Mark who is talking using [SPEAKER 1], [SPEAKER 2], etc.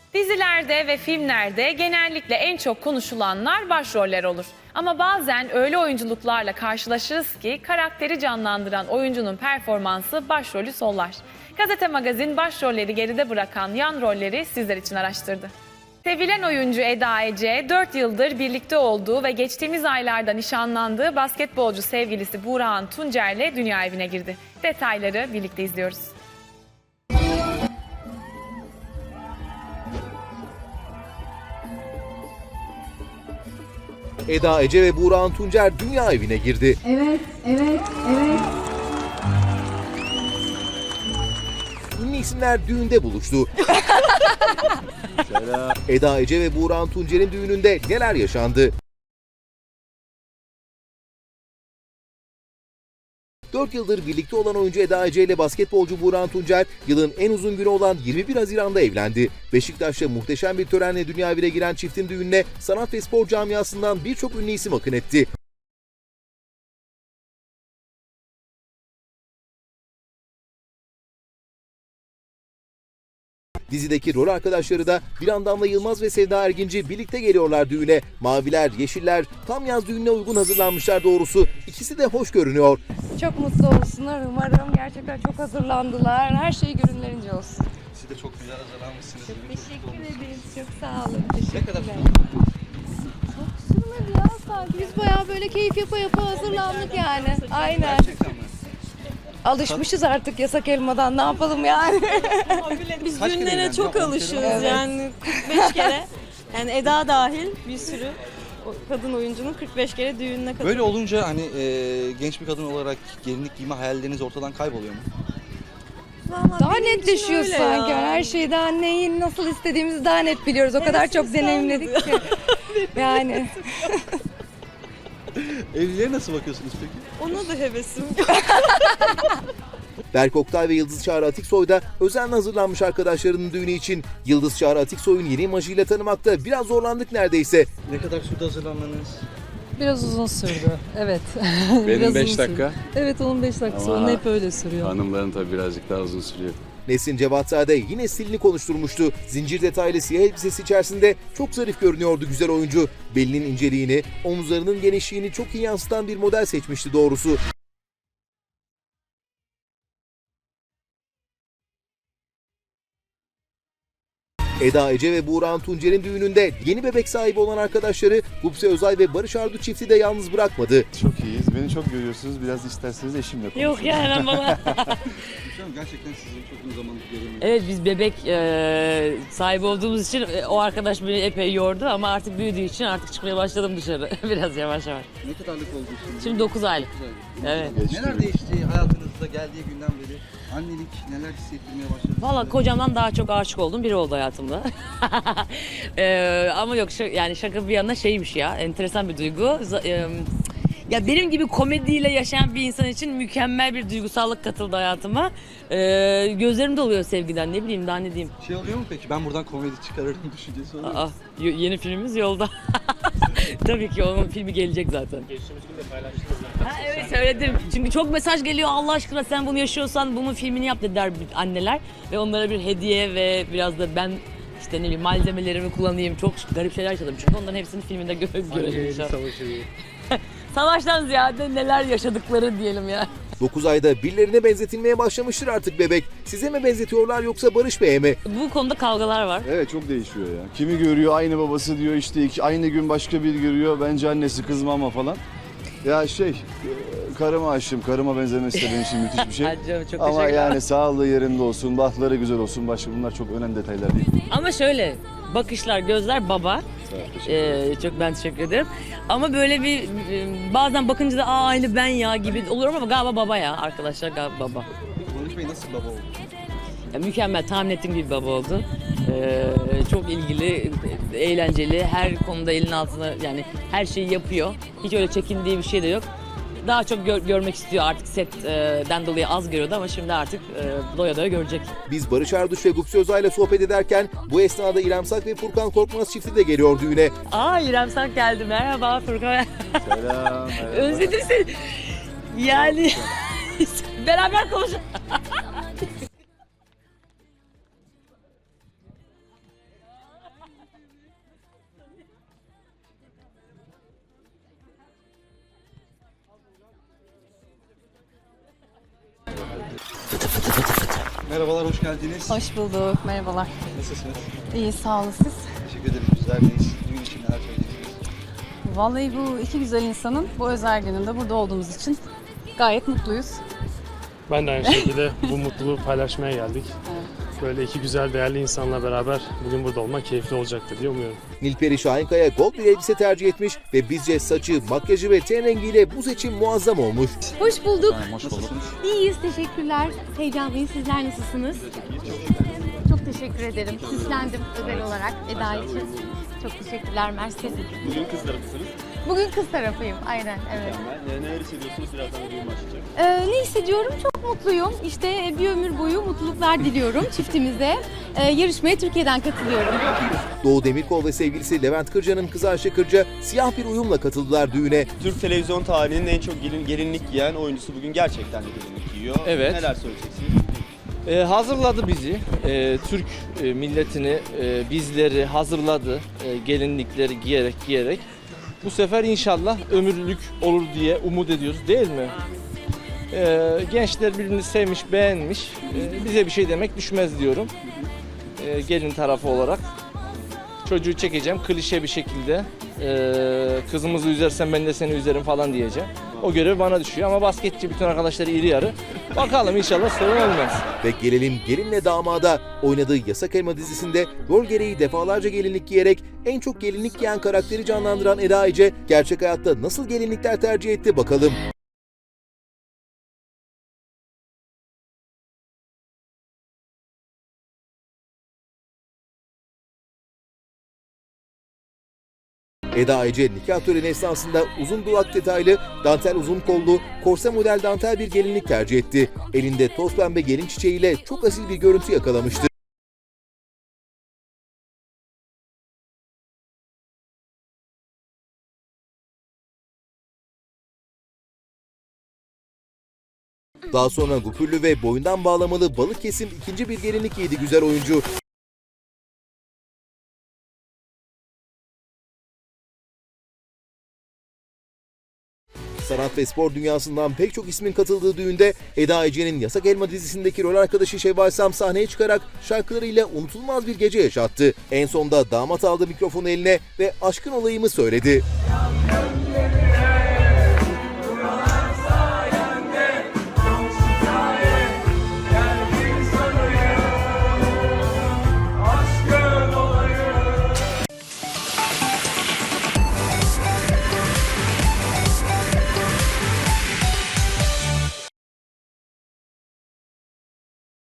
[SPEAKER 1] Dizilerde ve filmlerde genellikle en çok konuşulanlar başroller olur. Ama bazen öyle oyunculuklarla karşılaşırız ki karakteri canlandıran oyuncunun performansı başrolü sollar. Gazete Magazin başrolleri geride bırakan yan rolleri sizler için araştırdı. Sevilen oyuncu Eda Ece, 4 yıldır birlikte olduğu ve geçtiğimiz aylarda nişanlandığı basketbolcu sevgilisi Burakhan Tuncer'le dünya evine girdi. Detayları birlikte izliyoruz.
[SPEAKER 2] Eda Ece ve Burakhan Tuncer dünya evine girdi.
[SPEAKER 3] Evet.
[SPEAKER 2] Ünlü isimler düğünde buluştu. Eda Ece ve Burakhan Tuncer'in düğününde neler yaşandı? 4 yıldır birlikte olan oyuncu Eda Ece ile basketbolcu Burakhan Tuncer yılın en uzun günü olan 21 Haziran'da evlendi. Beşiktaş'ta muhteşem bir törenle dünya evine giren çiftin düğününe sanat ve spor camiasından birçok ünlü isim akın etti. Dizideki rol arkadaşları da Damla Yılmaz ve Sevda Erginci birlikte geliyorlar düğüne. Maviler, yeşiller tam yaz düğününe uygun hazırlanmışlar doğrusu. İkisi de hoş görünüyor.
[SPEAKER 3] Çok mutlu olsunlar umarım. Gerçekten çok hazırlandılar. Her şey görünlerince olsun.
[SPEAKER 4] Siz de çok güzel hazırlanmışsınız.
[SPEAKER 3] Çok teşekkür ederiz. Çok sağ olun.
[SPEAKER 4] Ne kadar
[SPEAKER 3] Çok sürmedi ya sanki. Biz bayağı böyle keyif yapa hazırlandık yani. Aynen.
[SPEAKER 4] gerçekten mi?
[SPEAKER 3] Alışmışız artık yasak elmadan. Ne yapalım yani?
[SPEAKER 5] Biz
[SPEAKER 4] Kaç kere
[SPEAKER 5] düğünlere
[SPEAKER 4] evlendin?
[SPEAKER 5] çok
[SPEAKER 4] Yok,
[SPEAKER 5] alışıyoruz
[SPEAKER 3] Evet.
[SPEAKER 5] yani 45 kere. Yani Eda dahil bir sürü kadın oyuncunun 45 kere düğününe katılıyor.
[SPEAKER 4] Böyle olunca hani genç bir kadın olarak gelinlik giyme hayalleriniz ortadan kayboluyor mu?
[SPEAKER 5] Vallahi
[SPEAKER 3] Daha
[SPEAKER 5] benim için
[SPEAKER 3] netleşiyor
[SPEAKER 5] öyle
[SPEAKER 3] sanki.
[SPEAKER 5] ya.
[SPEAKER 3] Her şeyi daha neyi nasıl istediğimizi daha net biliyoruz. O kadar çok
[SPEAKER 5] Hevesimiz
[SPEAKER 3] deneyimledik ki. Yani.
[SPEAKER 4] Evliliğe nasıl bakıyorsunuz peki?
[SPEAKER 5] Ona da hevesim.
[SPEAKER 2] Berk Oktay ve Yıldız Çağrı Atiksoy da özenle hazırlanmış arkadaşlarının düğünü için. Yıldız Çağrı Atiksoy'un yeni imajıyla tanımakta biraz zorlandık neredeyse.
[SPEAKER 4] Ne kadar sürdü hazırlanmanız?
[SPEAKER 6] Biraz uzun sürdü. Evet.
[SPEAKER 7] Benim
[SPEAKER 6] Biraz
[SPEAKER 7] 5
[SPEAKER 6] uzun
[SPEAKER 7] dakika.
[SPEAKER 6] sürdü. Evet onun 5 dakikası.
[SPEAKER 7] Ama
[SPEAKER 6] Onun hep öyle sürüyor.
[SPEAKER 7] Hanımların tabii birazcık daha uzun sürüyor.
[SPEAKER 2] Nesin Cevatzade yine stilini konuşturmuştu. Zincir detaylı siyah elbisesi içerisinde çok zarif görünüyordu güzel oyuncu. Belinin inceliğini, omuzlarının genişliğini çok iyi yansıtan bir model seçmişti doğrusu. Eda Ece ve Burakhan Tuncer'in düğününde yeni bebek sahibi olan arkadaşları Gupse Özay ve Barış Arduç çifti de yalnız bırakmadı.
[SPEAKER 8] Çok iyiyiz. Beni çok görüyorsunuz. Biraz isterseniz eşimle konuşun.
[SPEAKER 5] Yok yani bana.
[SPEAKER 4] Hocam gerçekten sizi çok uzun zamandır göremiyorum.
[SPEAKER 9] Evet biz bebek sahibi olduğumuz için o arkadaş beni epey yordu ama artık büyüdüğü için artık çıkmaya başladım dışarı biraz yavaş yavaş.
[SPEAKER 4] Ne kadarlık oldu şimdi?
[SPEAKER 9] Şimdi 9 aylık. Evet.
[SPEAKER 4] Neler değişti hayatınızda geldiği günden beri? Annelik neler hissettirmeye başladı?
[SPEAKER 9] Valla
[SPEAKER 4] size?
[SPEAKER 9] kocamdan daha çok aşık olduğum biri oldu hayatımda. Ama yok yani şaka bir yana şeymiş ya enteresan bir duygu. Ya benim gibi komediyle yaşayan bir insan için mükemmel bir duygusallık katıldı hayatıma. Gözlerim doluyor sevgiden ne bileyim daha ne diyeyim.
[SPEAKER 4] Şey oluyor mu peki? Ben buradan komedi çıkarırım düşüncesi oluyor mu?
[SPEAKER 9] Yeni filmimiz yolda. Tabii ki onun filmi gelecek zaten. Geçtiğimiz gün de paylaştınız. Evet söyledim. Çünkü çok mesaj geliyor Allah aşkına sen bunu yaşıyorsan bunun filmini yap dediler anneler. Ve onlara bir hediye ve biraz da ben işte ne bileyim malzemelerimi kullanayım. Çok garip şeyler yaşadım. Çünkü onların hepsini filminde görelim inşallah. Savaştan ziyade neler yaşadıkları diyelim ya.
[SPEAKER 2] 9 ayda birilerine benzetilmeye başlamıştır artık bebek. Size mi benzetiyorlar yoksa Barış Bey'e mi?
[SPEAKER 9] Bu konuda kavgalar var.
[SPEAKER 8] Evet çok değişiyor ya. Kimi görüyor aynı babası diyor işte aynı gün başka biri görüyor. Bence annesi kız mama falan. Ya karıma aşığım. Karıma benzemesi de benim için müthiş bir şey.
[SPEAKER 9] Hadi canım, çok
[SPEAKER 8] Ama
[SPEAKER 9] teşekkürler.
[SPEAKER 8] yani sağlığı yerinde olsun, bahtları güzel olsun. Başka bunlar çok önemli detaylar değil.
[SPEAKER 9] Ama şöyle bakışlar, gözler baba. Çok ben teşekkür ederim. Ama böyle bir bazen bakınca da aynı ben ya gibi olurum ama galiba baba ya arkadaşlar galiba baba.
[SPEAKER 4] Barış Bey nasıl baba oldu?
[SPEAKER 9] Ya, mükemmel tahmin ettiğim gibi baba oldu. Çok ilgili, eğlenceli, her konuda elinin altına yani her şeyi yapıyor. Hiç öyle çekindiği bir şey de yok. Daha çok görmek istiyor artık setten dolayı az görüyordu ama şimdi artık doya doya görecek.
[SPEAKER 2] Biz Barış Arduç ve Gupse Özay'la sohbet ederken bu esnada İrem Sak ve Furkan Korkmaz çifti de geliyor düğüne.
[SPEAKER 9] İrem Sak geldi. Merhaba Furkan.
[SPEAKER 8] Selam.
[SPEAKER 9] Özledim seni. Yani beraber konuşalım.
[SPEAKER 4] Merhabalar, hoş geldiniz.
[SPEAKER 3] Hoş bulduk. Merhabalar.
[SPEAKER 4] Nasılsınız?
[SPEAKER 3] İyi, sağ olun siz.
[SPEAKER 4] Teşekkür ederim, güzeldeyiz. Düğün için neler söyleyeceksiniz?
[SPEAKER 3] Vallahi bu iki güzel insanın bu özel gününde burada olduğumuz için gayet mutluyuz.
[SPEAKER 10] Ben de aynı şekilde bu mutluluğu paylaşmaya geldik. Böyle iki güzel, değerli insanla beraber bugün burada olmak keyifli olacaktır diye umuyorum.
[SPEAKER 2] Nilperi Şahinkaya gold bir elbise tercih etmiş ve bizce saçı, makyajı ve ten rengiyle bu seçim muazzam olmuş.
[SPEAKER 11] Hoş bulduk.
[SPEAKER 4] Hoş bulduk.
[SPEAKER 11] İyiyiz, teşekkürler. Heyecanlıyız. Sizler nasılsınız? Çok teşekkür ederim. Süslendim özel olarak Eda için. Çok teşekkürler, mersi.
[SPEAKER 12] Bugün kız tarafısınız.
[SPEAKER 11] Bugün kız tarafıyım, aynen, evet.
[SPEAKER 12] Neler hissediyorsunuz? Birazdan da düğün başlayacak.
[SPEAKER 11] Ne hissediyorum? Çok mutluyum. İşte bir ömür boyu mutluluklar diliyorum çiftimize. Yarışmaya Türkiye'den katılıyorum.
[SPEAKER 2] Doğu Demirkol ve sevgilisi Levent Kırca'nın kızı Ayşe Kırca siyah bir uyumla katıldılar düğüne.
[SPEAKER 12] Türk televizyon tarihinin en çok gelinlik giyen oyuncusu bugün gerçekten de gelinlik giyiyor.
[SPEAKER 13] Evet.
[SPEAKER 12] Neler söyleyeceksiniz?
[SPEAKER 13] Hazırladı bizi. Türk milletini, bizleri hazırladı. Gelinlikleri giyerek. Bu sefer inşallah ömürlük olur diye umut ediyoruz, değil mi? Gençler birbirini sevmiş, beğenmiş. Bize bir şey demek düşmez diyorum. Gelin tarafı olarak. Çocuğu çekeceğim klişe bir şekilde. Kızımızı üzersen ben de seni üzerim falan diyeceğim. O görev bana düşüyor ama basketçi bütün arkadaşları iri yarı. Bakalım inşallah sorun olmaz.
[SPEAKER 2] Ve gelelim gelinle damada. Oynadığı Yasak Elma dizisinde rol gereği defalarca gelinlik giyerek en çok gelinlik giyen karakteri canlandıran Eda Ece gerçek hayatta nasıl gelinlikler tercih etti bakalım. Eda Ece nikah töreni esnasında uzun duvak detaylı, dantel uzun kollu, korse model dantel bir gelinlik tercih etti. Elinde toz pembe gelin çiçeğiyle çok asil bir görüntü yakalamıştı. Daha sonra gupürlü ve boyundan bağlamalı balık kesim ikinci bir gelinlik giydi güzel oyuncu. Sanat ve spor dünyasından pek çok ismin katıldığı düğünde Eda Ece'nin Yasak Elma dizisindeki rol arkadaşı Şevval Sam sahneye çıkarak şarkılarıyla unutulmaz bir gece yaşattı. En sonda damat aldı mikrofonu eline ve aşkın olayımı söyledi.